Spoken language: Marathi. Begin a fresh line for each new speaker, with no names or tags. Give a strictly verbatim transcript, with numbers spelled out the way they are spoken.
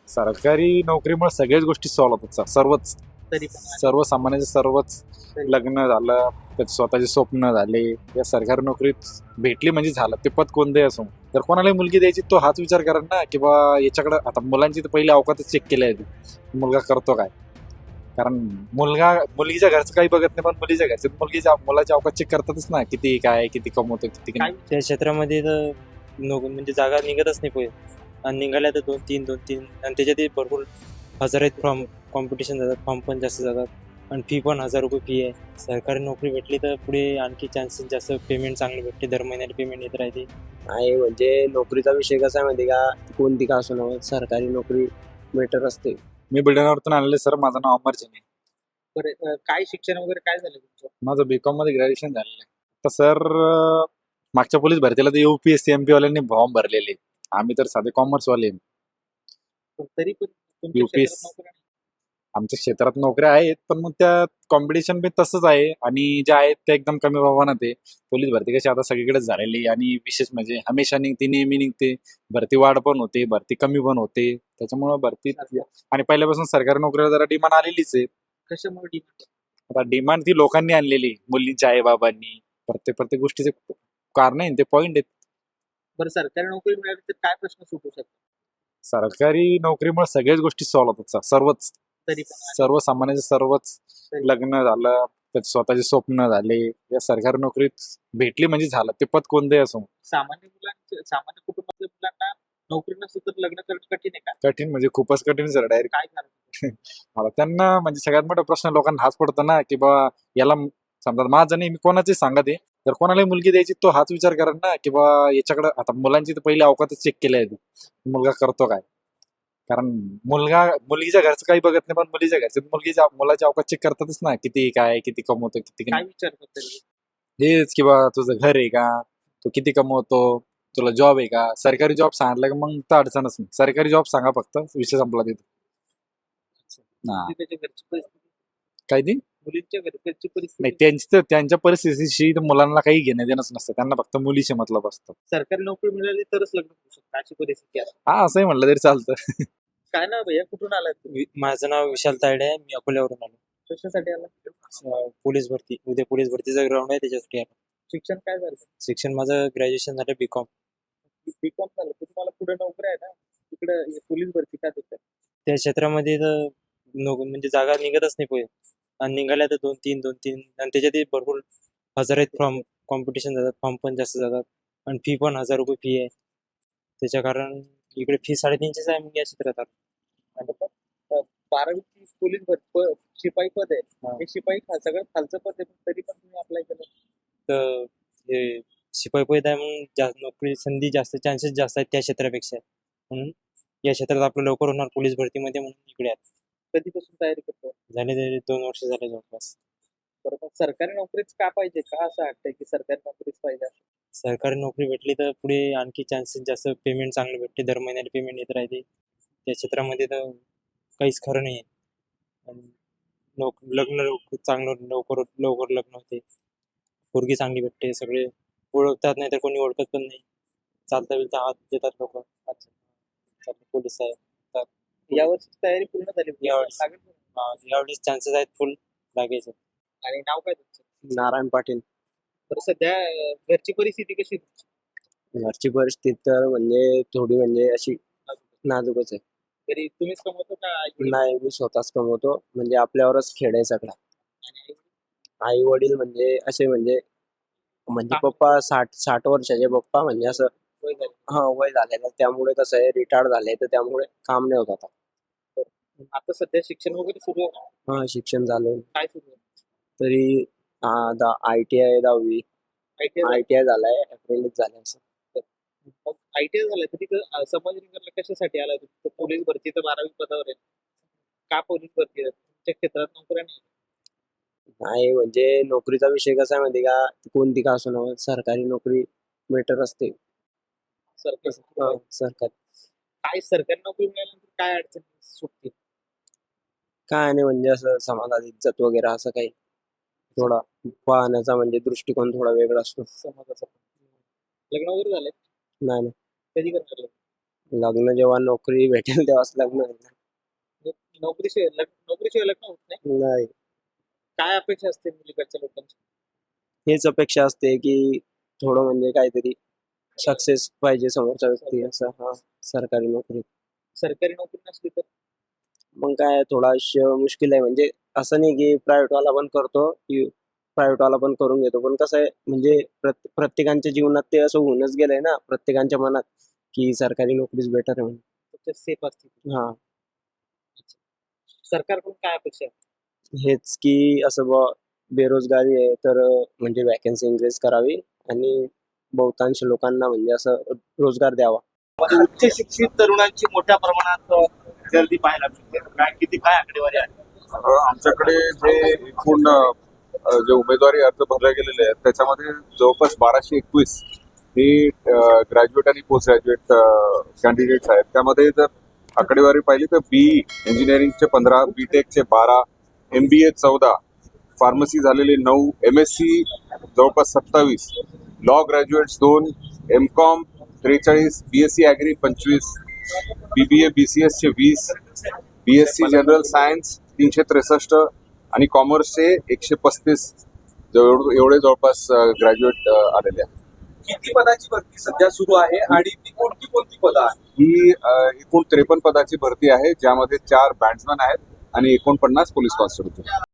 सरकारी नोकरीमुळे सगळ्याच गोष्टी सॉल्व्ह होतात सर. सर्वच
तरी पण आणि
सर्वसामान्याचे सर्वच
तरी-
लग्न झालं, त्याचे स्वतःचे स्वप्न झाले, या सरकारी नोकरीत भेटली म्हणजे झालं. ते पद कोणतंही असो. जर कोणालाही मुलगी द्यायची तो हाच विचार करा ना की बा याच्याकडे आता मुलांची तर पहिली अवकातच चेक केली आहे, मुलगा करतो काय. कारण मुलगा मुलगीच्या घरचं काही बघत नाही, पण मुलीच्या घरचे मुलगीच्या मुलाच्या अवकात चेक करतातच ना, किती काय, किती कमवतो, किती
काय
नाही.
त्या क्षेत्रामध्ये तर नो म्हणजे जागा निघतच नाही पुढे, आणि निघाल्या तर दोन तीन दोन तीन आणि त्याच्यातही भरपूर हजार आहेत फॉर्म, कॉम्पिटिशन जातात, फॉर्म पण जास्त जातात, आणि फी पण हजार रुपये फी आहे. सरकारी नोकरी भेटली तर पुढे आणखी चान्सेस जास्त, पेमेंट चांगली भेटते, दर महिन्याला पेमेंट येत राहते.
आहे म्हणजे नोकरीचा विषय कसा आहे माहिती का, कोणती का असो ना, सरकारी नोकरी बेटर असते.
मी बुलढाण्यावरतून आणले सर. माझं नाव अमर जैन आहे.
बरं, अं, काय शिक्षण वगैरे काय झालं तुमचं?
माझं बीकॉम मध्ये ग्रॅज्युएशन झालेलं आहे. तर सर मागच्या पोलीस भरतीला तर युपीएससी एमपी वाल्यांनी फॉर्म भरलेले. आम्ही तर साधे कॉमर्स वाले आहे.
पण तरी पण तुमच्या
UPS
क्षेत्रात नोकऱ्या नाही.
आमच्या क्षेत्रात नोकऱ्या आहेत, पण मग त्या कॉम्पिटिशन बी तसंच आहे, आणि ज्या आहेत त्या एकदम कमी प्रमाणात आहे. पोलीस भरती कशी आता सगळीकडेच झालेली आहे, आणि विशेष म्हणजे हमेशा निघते, नेहमी निघते. भरती वाढ पण होते, भरती कमी पण होते. त्याच्यामुळे भरती, आणि पहिल्यापासून सरकारी नोकरीला जरा डिमांड आलेलीच आहे.
कशामुळे डिमांड?
आता डिमांड ती लोकांनी आणलेली, मुलींच्या आई बाबांनी. प्रत्येक प्रत्येक गोष्टीचे कारण आहे, ते पॉईंट आहेत.
बरं, सरकारी नोकरी मिळाली तर काय प्रश्न सुटू शकतो?
सरकारी नोकरीमुळे सगळ्याच गोष्टी सॉल्व्ह होतात सर. सर्वच
तरी पण आणि
सर्वसामान्याचे सर्वच
तरी-
लग्न झालं, त्याचे स्वतःचे स्वप्न झाले, या सरकारी नोकरीत भेटली म्हणजे झालं. ते पद कोणतंही असो.
सामान्य मुलांच्या सामान्य कुटुंबातल्या मुलांना नोकरी नसेल तर लग्न करणं कठीण आहे का?
कठीण म्हणजे खूपच कठीण सर. डायरेक्ट
काय कारण?
मला त्यांना म्हणजे सगळ्यात मोठा प्रश्न लोकांना हाच पडतो ना की बा याला म- समजा माझं नाही, मी कोणाची सांगत आहे, जर कोणालाही मुलगी द्यायची तो हाच विचार करा ना की बा याच्याकडे आता मुलांची तर पहिली अवकातच चेक केली आहे, मुलगा करतो काय. कारण मुलगा मुलगीच्या घरचं काही बघत नाही, पण मुलीच्या घरचे मुलगीच्या मुलाच्या अवकात चेक करतातच ना, किती काय, किती कमवतो, किती
काय
नाही.
विचारतात तरी?
हेच की बा तुझं घर आहे का, तू किती कमवतो, तुला जॉब आहे का. सरकारी जॉब सांगितलं का मग तर अडचणच नाही. सरकारी जॉब सांगा फक्त, विषय संपला तिथं. हा.
म्हणजे त्याच्या घरची परिस्थिती,
काय ती
मुलींच्या घर- घरची
नाही,
परिस्थिती.
त्यांची तर त्यांच्या परिस्थितीशी तर मुलांना काही घेणं देणंच नसतं. त्यांना फक्त मुलीशी मतलब असतं.
सरकारी नोकरी मिळाली तरच लग्न होऊ शकतं, अशी परिस्थिती आहे.
हा, असंही म्हणलं तरी चालतं.
काय ना भैया, कुठून आलाय तुम्ही?
वि- माझं नाव विशाल तायडे आहे, मी अकोल्यावरून आलो.
कशासाठी आला?
अं, पोलीस भरती, उद्या पोलीस भरतीचा ग्राउंड आहे, त्याच्यासाठी आलो.
शिक्षण काय झालं?
शिक्षण माझं ग्रॅज्युएशन झालं बीकॉम.
बीकॉम झालं तर तुम्हाला पुढे नोकरी आहे ना, तिकडे पोलीस भरती का देतात?
त्या क्षेत्रामध्ये तर नो म्हणजे जागा निघतच नाही पुढे, आणि निघाल्या तर दोन तीन दोन तीन आणि त्याच्यातही भरपूर हजार आहेत फॉर्म, कॉम्पिटिशन जातात, फॉर्म पण जास्त जातात, आणि फी पण हजार रुपये फी आहे. त्याच्या कारण इकडे फी साडेतीनशेच आहे, मग या क्षेत्रात आलो.
आणि पण अ, बारावीची पोलीस भरती प- शिपाई पद आहे.
हा.
हे शिपाई खा- सगळ्यात खालचं पद आहे, पण तरी पण तुम्ही अप्लाय केलं.
तर हे शिपाई पद आहे, म्हणून जास्त नोकरी संधी जास्त, चान्सेस जास्त आहेत त्या क्षेत्रापेक्षा, म्हणून या क्षेत्रात आपलं लवकर होणार पोलीस भरतीमध्ये, म्हणून इकडे आलो.
कधीपासून तयारी करतो?
झाले तरी दोन वर्ष झाले जवळपास.
बरोबर, सरकारी नोकरीच का पाहिजे, का असं वाटतंय की सरकारी नोकरीच पाहिजे?
सरकारी नोकरी भेटली तर पुढे आणखी चान्सेस जास्त, पेमेंट चांगलं भेटते, दर महिन्याला पेमेंट येत राहते. त्या क्षेत्रामध्ये तर काहीच खरं नाही आहे. आणि नोक लग्न लवकर, चांगलं लवकर लवकर लग्न होते, पोरगी चांगली भेटते, सगळे ओळखतात, नाही तर कोणी ओळखत पण नाही. चालता बिलता हात देतात लोक. अच्छा, पोलीस आहे तर
यावर्षी तयारी पूर्ण झाली?
यावर्षी.
लागेल पूर्ण.
हा, यावेळेस चान्सेस आहेत फुल लागायचं.
आणि नाव काय तुमचं?
नारायण पाटील.
तर सध्या अ, घरची परिस्थिती कशी आहे तुमची?
घरची परिस्थिती तर म्हणजे थोडी म्हणजे अशी नाजूकच आहे.
तरी तुम्हीच कमवतो का आई-वडील?
नाही, मी स्वतःच कमवतो, म्हणजे आपल्यावरच खेळ आहे सगळा.
आणि आई-वडील?
आई वडील म्हणजे असे म्हणजे म्हणजे
काम-
पप्पा साठ साठ वर्षाचे पप्पा, म्हणजे असं
वय झालं.
हा वय झालेलं, त्यामुळे कसं आहे, रिटायर्ड झाले, तर त्यामुळे काम नाही होत आता.
आता सध्या शिक्षण वगैरे सुरू आहे ना?
हा, शिक्षण झालं
काय सुरू आहे?
तरी आय टी आय दहावी,
I T I
I T I झालाय, अप्रेंटिस झालं असं.
मग आय टी आय झालं तरी संभाजीनगरला कशासाठी आला? तर पोलीस भरती तर बारावी पदावर आहे. का पोलीस भरती आहे? तुमच्या क्षेत्रात नोकऱ्या नाही.
नाही म्हणजे नोकरीचा विषय कसा आहे माहिती का, कोणती का असो ना, सरकारी नोकरी बेटर असते.
सरकारी
हा, सरकारी
काय सरकारी नोकरी मिळाल्यानंतर काय अडचण सुटते?
काय नाही, म्हणजे असं समाजात इज्जत वगैरे असं काही थोडा पाहण्याचा म्हणजे दृष्टिकोन थोडा वेगळा असतो.
समाजाचं. लग्न वगैरे झालंय?
नाही नाही,
कधी करणार लग्न?
लग्न जेव्हा नोकरी भेटेल तेव्हाच लग्न होईल.
नोकरीशिवाय लग्न नोकरीशिवाय लग्न होत नाही.
नाही,
काय अपेक्षा असते मुलीकडच्या लोकांची?
हेच अपेक्षा असते की थोडं म्हणजे काहीतरी सक्सेस पाहिजे समोरचा व्यक्ती असं. हा, सरकारी नोकरी.
सरकारी नोकरी नसली तर
मग काय थोडं आयुष्य मुश्किल आहे. म्हणजे असं नाही की प्रायव्हेट वाला पण करतो की प्रायव्हेट वाला पण करून घेतो, पण कसं आहे म्हणजे प्रत- प्रत्येकांच्या जीवनात ते असं होऊनच गेलंय ना, प्रत्येकांच्या मनात की सरकारी नोकरीच बेटर आहे म्हणून.
त्याच्यात सेफ असते.
हा,
सरकारकडून काय अपेक्षा आहे?
हेच की असं बुवा बेरोजगारी आहे तर अं, म्हणजे वॅकन्सी इन्क्रीज करावी आणि बहुतांश लोकांना म्हणजे असं रोजगार द्यावा.
उच्च शिक्षित तरुणांची मोठ्या प्रमाणात अ, गर्दी पाहायला मिळते. काय किती काय आकडेवारी आहे?
अ, आमच्याकडे जे एकूण अ, जे उमेदवारी अर्ज भरले गेलेले आहेत त्याच्यामध्ये जवळपास बाराशे एकवीस ही ग्रॅज्युएट आणि पोस्ट ग्रॅज्युएट कॅन्डिडेट्स आहेत. त्यामध्ये जर आकडेवारी पाहिली तर बीई इंजिनिअरिंगचे पंधरा, बीटेकचे बारा, एम बी ए चौदा, फार्मसी झालेले नऊ, एम एस सी जवळपास सत्तावीस, लॉ ग्रॅज्युएट्स दोन, एम कॉम त्रेचाळीस, बी एस सी ॲग्री पंचवीस, बी बी ए बी सी एसचे वीस, B S C general science तीनशे त्रेसष्ट आणि कॉमर्सचे एकशे पस्तीस एवढे जवळपास ग्रॅज्युएट आलेले आहेत.
किती पदाची भरती सध्या सुरू आहे आणि ती कोणती कोणती पदं आहेत?
ही अ, एकूण त्रेपन्न पदाची भरती आहे, ज्यामध्ये चार बँड्समॅन आहेत आणि एकोणपन्नास पोलीस कॉन्स्टेबल.